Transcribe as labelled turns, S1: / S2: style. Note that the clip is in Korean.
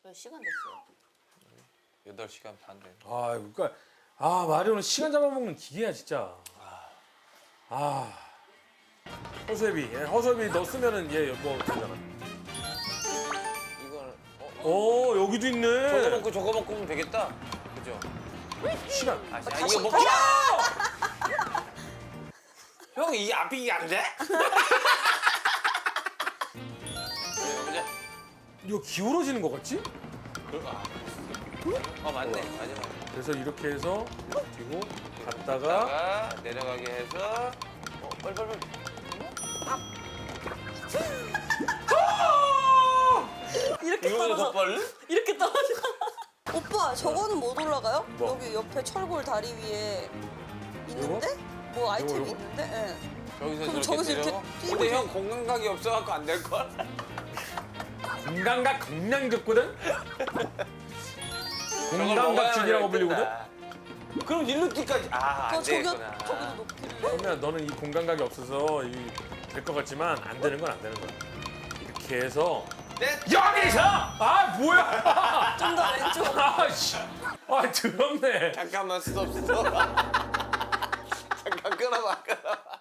S1: 몇 시간 됐어요?
S2: 8시간 반 돼.
S3: 아, 그러니까 마리오는 시간 잡아먹는 기계야 진짜. 허수애비, 허수애비 너 쓰면은 얘 뭐 되잖아.
S2: 이걸
S3: 여기도
S2: 저거
S3: 있네.
S2: 먹고 저거 먹고 하면 되겠다. 그죠?
S3: 시간.
S2: 이거 먹기. 형 이게 앞이 안 돼? 해보자.
S3: 이거 기울어지는 거 같지?
S2: 맞네. 맞아.
S3: 그래서 이렇게 해서 뒤고 갔다가
S2: 갔다가 내려가게 해서 빨리.
S1: 이렇게
S2: 이거보다 더
S1: 떨어져.
S2: 빨리?
S1: 이렇게 떨어져.
S4: 오빠 저거는 못 올라가요?
S3: 뭐?
S4: 여기 옆에 철골 다리 위에 있는데? 뭐 아이템이
S3: 요거?
S4: 있는데? 예.
S2: 여기서
S4: 그럼
S2: 저렇게
S4: 저기서
S2: 때려?
S4: 이렇게 뛰고
S2: 근데 형 공간각이 없어갖고 안 될걸?
S3: 공간각 강량적거든?
S2: 저걸
S3: 공간각
S2: 먹어야만
S3: 중이라고
S2: 뜬다.
S3: 불리거든?
S2: 그럼 일로 뛰까지 안
S4: 저기도
S2: 되겠구나.
S4: 높길래.
S3: 그러면 너는 이 공간각이 없어서 될 것 같지만 안 되는 건 안 되는 거야. 이렇게 해서 여기서! 뭐야!
S4: 좀 더 왼쪽.
S3: 씨. 더럽네.
S2: 잠깐만 스톱. 잠깐 끊어봐.